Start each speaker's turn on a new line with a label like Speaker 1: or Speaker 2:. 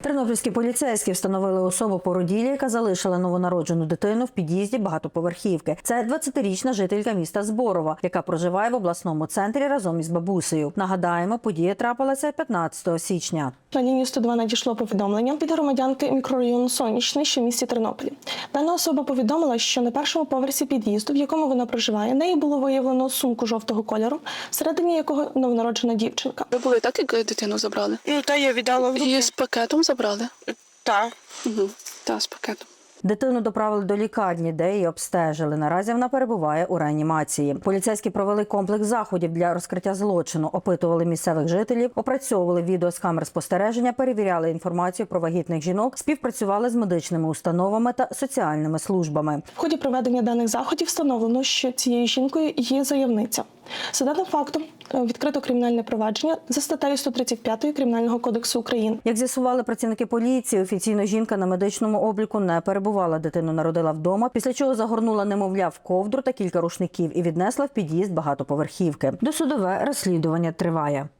Speaker 1: Тернопільські поліцейські встановили особу породілі, яка залишила новонароджену дитину в під'їзді багатоповерхівки. Це 20-річна жителька міста Зборова, яка проживає в обласному центрі разом із бабусею. Нагадаємо, подія трапилася 15 січня.
Speaker 2: На лінію 102 надійшло повідомлення від громадянки мікрорайону Сонячний, що в місті Тернополі. Дана особа повідомила, що на першому поверсі під'їзду, в якому вона проживає, неї було виявлено сумку жовтого кольору, всередині якого новонароджена дівчинка.
Speaker 3: Ви були так, як дитину забрали?
Speaker 4: Та я віддала в руки.
Speaker 3: Її з пакетом забрали?
Speaker 4: Так.
Speaker 3: Угу. Так, з пакетом.
Speaker 1: Дитину доправили до лікарні, де її обстежили. Наразі вона перебуває у реанімації. Поліцейські провели комплекс заходів для розкриття злочину, опитували місцевих жителів, опрацьовували відео з камер спостереження, перевіряли інформацію про вагітних жінок, співпрацювали з медичними установами та соціальними службами.
Speaker 2: В ході проведення даних заходів встановлено, що цією жінкою є заявниця. За даним фактом відкрито кримінальне провадження за статтею 135 Кримінального кодексу України.
Speaker 1: Як з'ясували працівники поліції, офіційно жінка на медичному обліку не перебувала. Дитину народила вдома, після чого загорнула немовля в ковдру та кілька рушників і віднесла в під'їзд багатоповерхівки. Досудове розслідування триває.